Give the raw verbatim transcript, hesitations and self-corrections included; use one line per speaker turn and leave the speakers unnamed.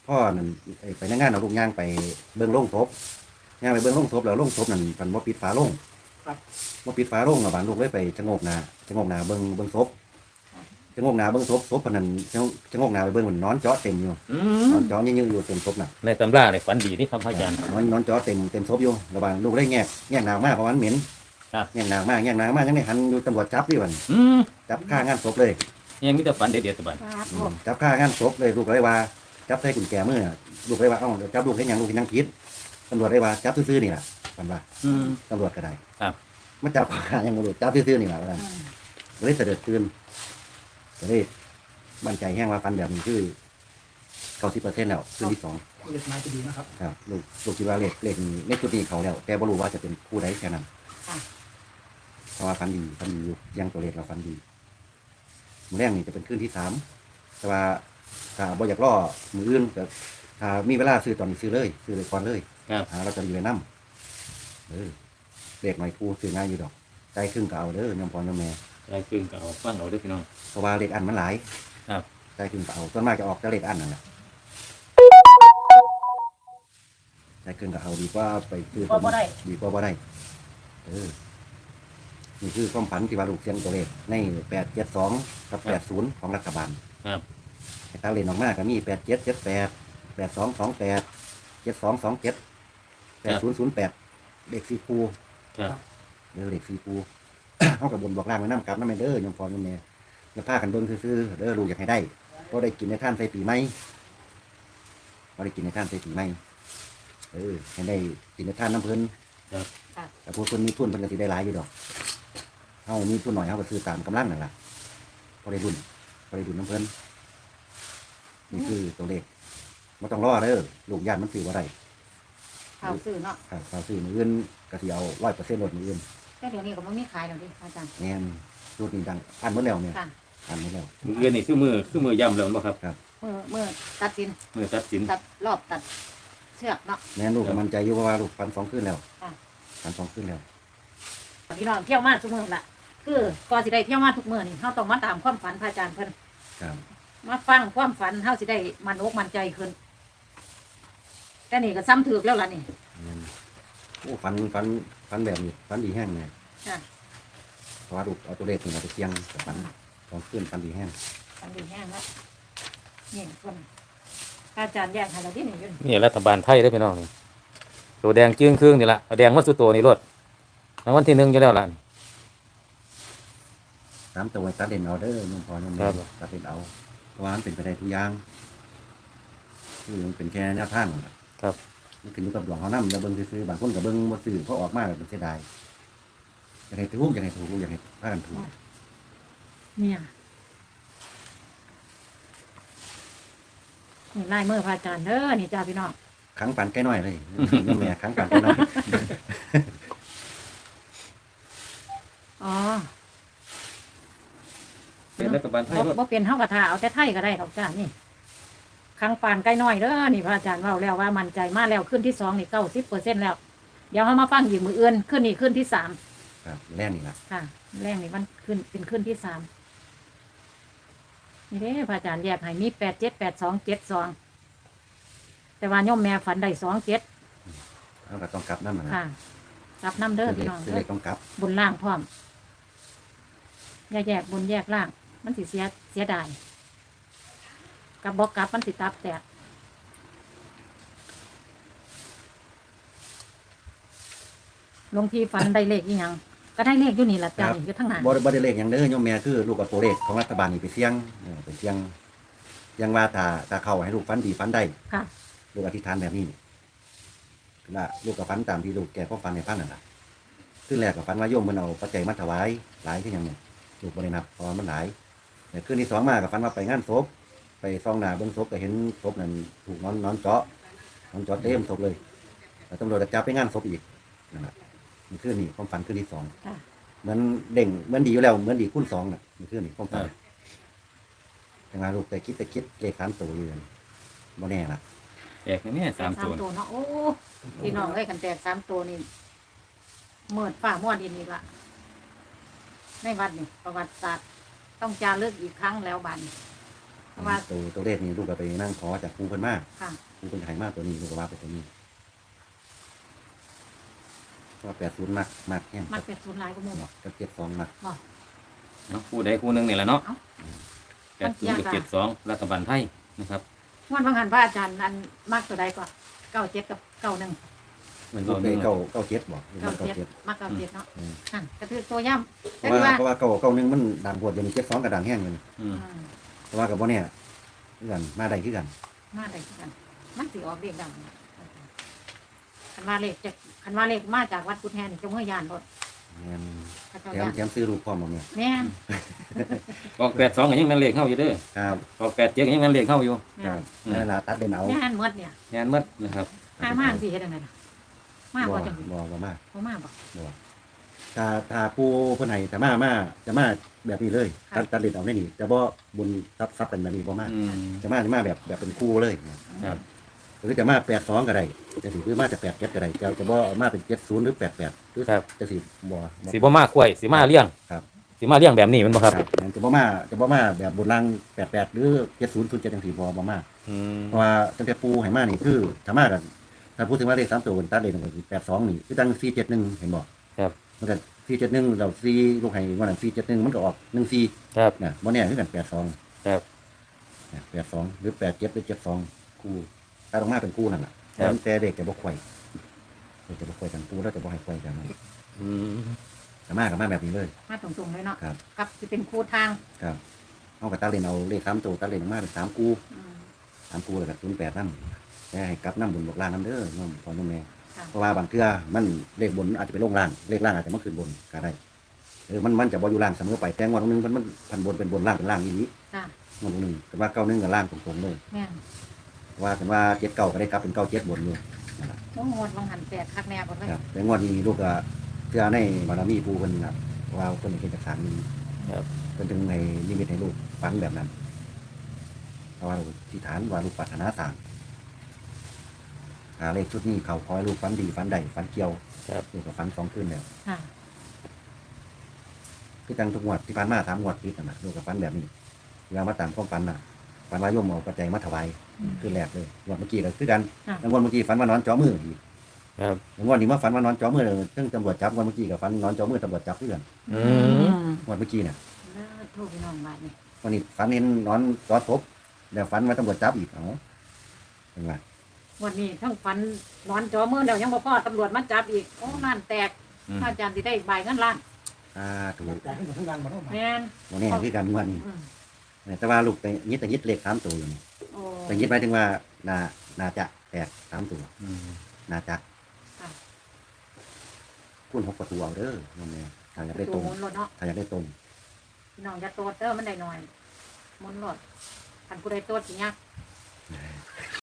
พ่อนั่นไปในงานเอาลูกย่างไปเบิ่งโรงศพย่างไปเบิ่งโรงศพแล้วโรงศพนั่นมันบ่ปิดฝาโรงบ่ปิดฝาโรงแล้วบานลูกเลยไปชะโงกหน้าชะโงกหน้าเบิ่งเบิ่งศพชะโงกหน้าเบิ่งศพศพปานนั้นชะชะโงกหน้าไปเบิ่งมันนอนเจาะเต็มอยู่นอนเจาะยืนๆอยู่เต็มศพน่ะ
ในตำราเลยฝันดีนี่ครับพระอาจารย์
นอนนอนเจาะเต็มเต็มศพอยู่แล้วบานลูกเลยแงกแงกหน้ามากเพราะมันเหม็นแงกหน้ามากแงกหน้ามากยังได้หันอยู่ตำรวจจับดิวันจับฆ่างานศพเลย
ยังมีแต่ฝันเด็ดๆตะบัน
จับฆ่างานศพเลยลูกเลยว่าจับใส่กุญแจมือลูกเลยว่าเอ้าจับลูกเห็นหยังลูกเห็นหยังผิดตำรวจเลยว่าจับซื่อๆนี่แหละมันว่าตำรวจก็ได้
ครับ
มาจับข้ายังตำรวจจับซื่อๆนี่แหละว่าเลยเสด็จตื่นก็เลยมั่นใจแห้งว่าฟันแบบนี้คือเก้าสิบเปอร์เซ็นต์แล้วคืนที่สอง
เล็กไม้จะดีนะครับ
ครับลูกลูกคิดว่าเลขเลขเลขจุดนี้เขาแล้วแต่ไม่รู้ว่าจะเป็นผู้ใดแค่นั้นเพราะว่าฟันดีฟันดีอยู่ยังตัวเลขเราฟันดีมือแรกนี่จะเป็นคืนที่สามแต่ว่าถ้าบ่อยากล่อมืออื่นแต่ถ้ามีเวลาซื้อตอนนี้ซื้อเลยซื้อเลยก่อนเลยหาเราจะดีเลยน้ำเออเลขหน่อยผู้ซื้อง่ายอยู่ดอกใจครึ่งก็เอาเด้อยมพรยมแม่
ใจครึ่งก็เอาฟังเอาด้วยพี่น้อง
เพราะว่าเลขอันมันหลาย
ครับ
ใจครึ่งก็เอาส่วนมากจะออกจะเลขอันนั่นแหละใจครึ่งก็เอาดีกว่าไปซื้อดีกว่าบ่ได้เออนี่คือความฝันที่ว่าลูกเสียงตัวเลขในแปดเจ็ดสองกับแปดศูนย์ของรัฐบาล
ครับ
ตาเลนออกมาก็มีแปดเจ็ดเจ็ดแปดแปดสองสองแปดเจ็ดสองสองเจ็ดแปดศูนย์ศูนย์แปดเลขสี่คู
ครับ
เด้อเลขสี่คูเขากับบนบอกล่างไว้น้ำกับน้ำแม่เด้อยมพรยมแม่แล้วผ้ากันเบิ้งซื้อเด้อลูกอยากให้ได้ก็ได้กินในท่านใส่ปีไหมก็ได้กินในท่านใส่ปีไหมเออให้ได้กินในท่านน้ำเพลินแต่พวกคนมีทุนเพิ่นก็สิได้หลายอยู่ดอกเขามีทุนหน่อยเขาก็ซื้อตามกำลังนั่นแหละพอได้รุ่นพอได้รุ่นน้ำเพลินนี่คือตัวเลขไม่ต้องรอเด้อลูกญาติมันซื้อว่าไร
ข่าวซื้อเนาะ
ข่าวซื้อมืออื่นกระเทียวร้อยเปอร์เซ็นต์ลดมืออื่น
แต่เดี๋ยวนี้ก็ไม่มีขายแล้วดิอาจารย์
แน่นรูดนี่ดังอันหมดแล้วเนี่ยอันหมดแล้ว
มืออื่นนี่คือมือคือมือย่ำแล้วบ่ครับ
ครับ
เมื่อเมื่อตัดสิน
มือตัดสิน
ตัดรอบตัดเชือกเนาะ
แน่นลูกมันใจอยู่เพราะว่าลูกฟันสองขึ้นแล้วฟันสองขึ้นแล้ว
พี่น้องเที่ยวมาทุกเมื่อละคือก่อนสิได้เที่ยวมาทุกเมื่อนี่เขาต้องมาตามความฝันพระอาจารย์เพิ่นมาฟังความฝันเฮาสิได้มันอกมันใจขึ้นแต่นี่ก็ซ้ำถือแล้วล่ะนี่
โอ้ฝันฝันฝันแบบนี้ฝันดีแห้งเลยเพราะว่าลูกเอาตัวเลขนี่มาไปเชียงฝันสองขึ้นฝันดีแห้ง
ฝันดีแห้งแล้วนี่คนอาจารย์แยกให้เราที่นี่อยู่
นี่รัฐบาลไทยได้พี่น้องนี่ตัวแดงจื้งครึ่งนี่ละแดงวัดสุโตนี่รถรางวัลที่หนึ่งอยู่แล้วล่ะ
สามตัวตัดเด่นเอาเด้อนุ่มพรนุ่มแม่ตัดเด่นเอาเพราะว่ามันเป็นไปได้ทุกอย่างคือมันเป็นแค่หน้าท่าน
ครับ
มันขึ้นอยู่กับดวงเขานั่มจะเบิ้งซื้อบางคนกับเบิ้งมาซื้อเขาออกมาแบบเสียดายอยากให้ถูกอยากให้ถูกอยากให้พากันถูก
เนี่ยนี่ไล่เมื่อพระอาจารย์เด้อนี่จ้าพี่น้อง
ขังปันใกล้น้อยเลยแม่ขังปันใกล้น้อย
อ๋อ
เป็นรัฐบาลไทย
บ่เป็นเฮากระทาเอาแต่ไทยก็ได้ดอกจ้านี่ขังปานใกล้น้อยเด้อนี่พระอาจารย์ว่าแล้วว่ามั่นใจมากแล้วขึ้นที่สองนี่เก้าสิบเปอร์เซ็นต์แล้วเดี๋ยวเขามาฟังอีกมืออื่นขึ้นนี่ขึ้นที่สาม
ครับแรกนี่ละ
ค่ะแรกนี่มันขึ้นเป็นขึ้นที่สามนี่เด้พระอาจารย์แยกให้มีแปดเจ็ดแปดสองเจ็ดสองแต่ว่าโยมแม่ฝันได้สองเจ็ด
เอาก็ต้องกลับน้ำมัน
ค่ะกลับน้ำเด้อพี่น้อง
เด้อต้องกลับบ
นล่างพร้อมแยกแยกบนแยกล่างมันสิเสียเสียดายกับบอกกลับมันสิตับแตกลงทีฝันได้เลขยี่ยังก็ได้เลขอยู่นี่แหละจ้าอยู่ทั้งนั้น
บ่บ่ได้เลขอย่างเด้อโยมแม่คือลูกกับตัวเลขของรัฐบาลนี่ไปเสี่ยงไปเสี่ยงยังว่าถ้าถ้าเข้าให้ลูกฟันดีฟันได้
ค่ะ
ลูกอธิษฐานแบบนี้ละลูกกับฟันตามที่ลูกแกพ่อฟันในพันนั่นแหละขึ้นแรกกับฟันว่าโยมมันเอาปัจจัยมาถวายหลายที่อย่างเนี้ยลูกบริณับพอมันหลายแต่ขึ้นที่สองมากับฟันว่าไปงานศพไปซองหนาเบื้องศพก็เห็นศพนั่นถูกนอนนอนเจาะนอนเจาะเต็มศพเลยแต่ตำรวจจะจับไปงานศพอีกนั่นแหละมันขึ้นนี่ความฝันขึ้นที่สองเหมือนเด้งเหมือนดีอยู่แล้วเหมือนดีคูณสองน่ะมันขึ้นนี่ความฝันแต่งานลูกแต่คิดแต่คิดเลขสามตัวอยู่บ่แน่ละ
แตกนี่สามตัว
เนาะโอ้พี่น้องเลยกันแตกสามตัวนี่เมื่อฝ่าม้วนอินนี่ละในวัดนี่ประวัติศาสตร์ต้องจารึกอีกครั้งแล้วบันเพราะว่า
ตัวตัวเลขนี่ลูกก็ไปนั่งขอจากครูเพิ่นมา
ค่ะ
ครูเพิ่นให้มาตัวนี้ลูกก็ว่าไปตัวนี้เพราะว่าแปดศูนย์มักมักแห้ง
มักเป็ดศูนย์หลายก็มุ่ง
กับเจ็ดสองมัก
บอก
เนาะคู่ใดคู่หนึงนี่แหละเนาะ
เอ้า
แปดศูนย์กับเจ็ดสองรัฐบาลไทยนะครับ
งวดบางหันพระอาจารย์อันมักตัวใดก่อนเก้าเจ็ดกับเก้าหนึ่ง
เหมือน
ลู
เรา
กไป
หนึ่ง
เก้าเก้าเจ็ดบอกลูก
เก้า
มาเก้า
เจ็ด
เจ็ด
มักเก้าเจ็ดเนาะ
อืม
นั่นกระทือตัวย่ำ
เพ
แต่
ราะว่า
ว่า
เพราะว่าเก้าเก้าหนึ่งมันด่างบวชอยู่ในเจ็ดสองกับด่างแห้งเลย
อืม
อืม
เพราะว่ากับว่าเนี่ยคือกันมาได้คือกัน
มาได้คือกันมันสิออกเลขดังคันว่าเลขจากคันว่าเลขมาจากวัดกุฎแฮนี่จะเมื่อยานรถ
แม่น
พระเจ้า
แถม
ย่าน
แถมซื้อลูกพร้อมบ่เนี่ย
แม่น
ออกแปดสองก็ยังแม่นเลขเข้าอยู่เด้อ
ครับ
ออกแปดเจ็ดก็ยังแม่นเลขเข้าอยู่
แม่
ครั
น
บนั่นล่ะตัดเด่นเอา
แม่นเมื่อเนี่ย
งานหมัดนะครับ
ห้ามากสิเฮ็ดจังไดล่ะมาก
บ่
บ่จัง
บ่บ่มาก
บ่มากบ่
บ่ถ้าถ้าผู้เพิ่นให้จะมามาจะมาแบบนี้เลย
ค่ะ
ตัดตัดเด่นเอาได้นี่จะบ่บุญทรัพย์ทรัพย์เป็นแบบนี้บ่มา
อืม
จะมาจะมาแบบแบบเป็นคู่เลย
ครับ
หรือจะมาแปดสองก็ได้จะสิหรือมาจะแปดเจ็ดก็ได้จะจะบ่เอามาเป็นเจ็ดศูนย์หรือแปดแปดหรือ
ครับ
จะสิบ่
สีบ่มาควยสีมาเลี้ยง
ครับ
สีมาเลี้ยงแบบนี้แมันบ่ครับ
งั้นจะบ่มาจะบ่มาแบบบนล่างแปดแปดหรือเจ็ดศูนย์ศูนย์เจ็ดจังสี่บ่บ่มา
อืม
เพราะว่าตั้งแต่ปูให้มานี่คือถ้ามากันถ้าพูดถึงว่าเลขสามตัวบนตัดเลขก็คือแปดสองนี่คือตั้งสี่เจ็ดหนึ่งเห็นบ่
ครับ
มันก็สี่เจ็ดหนึ่งเราสี่ลูกให้วันนั้นสี่เจ็ดหนึ่งมันก็ออกหนึ่งสี่
ครับ
เนี่ยบ่แน่คือกันแปดสอง
ครับ
แปดสองหรือแปดเจ็ดหรือเจ็ดสองคู่ถ้าลงมาเป็นคู่นั่นแหละ
ครับ
แต่เด็กจะบ่ควยเด็กจะบ่ควยกันปูแล้วจะบ่ให้ควยกัน
อืม
แต่มากับมาแบบนี้เลย
มาตรงๆเลยเนาะ
ครับ
กับสิเป็นคู่ทาง
ครับเอากับตาเล่นเอาเลขสามตัวตาเล่นออกมาเป็นสามคู่
อืม
สามคู่แล้วก็ศูนย์แปดนั่นแต่ให้กลับน้ำบุญบอกล่างน้ำเด้อน้องพ่อน้องแม่
ค่ะ
เพราะว่าบางเทื่อมันเลขบนอาจจะไปลงล่างเลขล่างอาจจะมาขึ้นบนก็ได้เออมันมันจะบ่อยู่ล่างเสมอไปแต่งวันนึงมันมันพันบนเป็นบนล่างเป็นล่างอีนี้
จ้ะ
วันนึงแต่ว่าเก้าหนึงกับล่างตรงๆเลย
แม่น
ว่ากันว่าเจ็ดเก้าก็ได้กลับเป็นเก้าเจ็ดบนเลยนั่นล่ะ
โอ้งวดบางหันแปดคักแน่บ่เลย
ครับแต่งวดนี้ลูกก็เพื่อในบารมีผู้คนนะเพราะว่าคนเป็นจากสารนี้
ครับ
เป็นถึงในนิมิตให้ลูกฟังแบบนั้นเพราะว่าที่ฐานว่าลูกปรารถนาสั่งหาเลขชุดนี้เขาคอยลูกฟันดีฟันใดฟันเกี่ยว
ครับ
ลูกก็ฟันสองขึ้นแล้ว
ค่ะ
คือจังทุกงวดที่ผ่านมาสามงวดติดนะนะลูกกับฟันแบบนี้เวลามาตามความฝันน่ะฝันว่าโยมเอาปัจจัยมาถวาย
อืม
คือแรกเลยงวดเมื่อกี้ก็คือกัน
ค่ะ
แล้วงวดเมื่อกี้ฝันว่านอนจ้อมืออีก
ครับ
แล้วงวดนี้มาฝันว่านอนจ้อมือเลยซึ่งตำรวจจับงวดเมื่อกี้กับฝันนอนจ้อมือตำรวจจับเพื่อน
อืม
งวดเมื่อกี้เนี่ย
แล้วโทรพี่น้องบาดนี่
วันนี้ฝันเห็นนอนจอดศพแล้วฝันว่าตำรวจจับอีกเอ้าเป็นไง
วันนี้ทั้งฝันนอนจอมือแล้วยังบ่พอตำรวจมาจับอีกโอ้ล้านแตก
อืม
พระอาจารย์สิได้ใบเงินล้าน
อ่าถูก
แม่น
วันนี้คือกันงวดนี้
อืม
แต่ว่าลูกไปยึดแต่ยึดเลขสามตัวอยู่นี่
โอ้
แต่ยึดหมายถึงว่านานาจะแตกสามตัว
อืม
นาจะ
ค่ะ
คุณหกประตูเอาเด้อน้องแม่ถ้าอยากได้ต
ตั
ร
ว
ง
หมุนรถเนาะ
ถ้าอยากได้ตรง
พี่น้องอย่าโตดเด้อมันได้หน่อยหมุนรถคันผู้ใดโตดสิยาก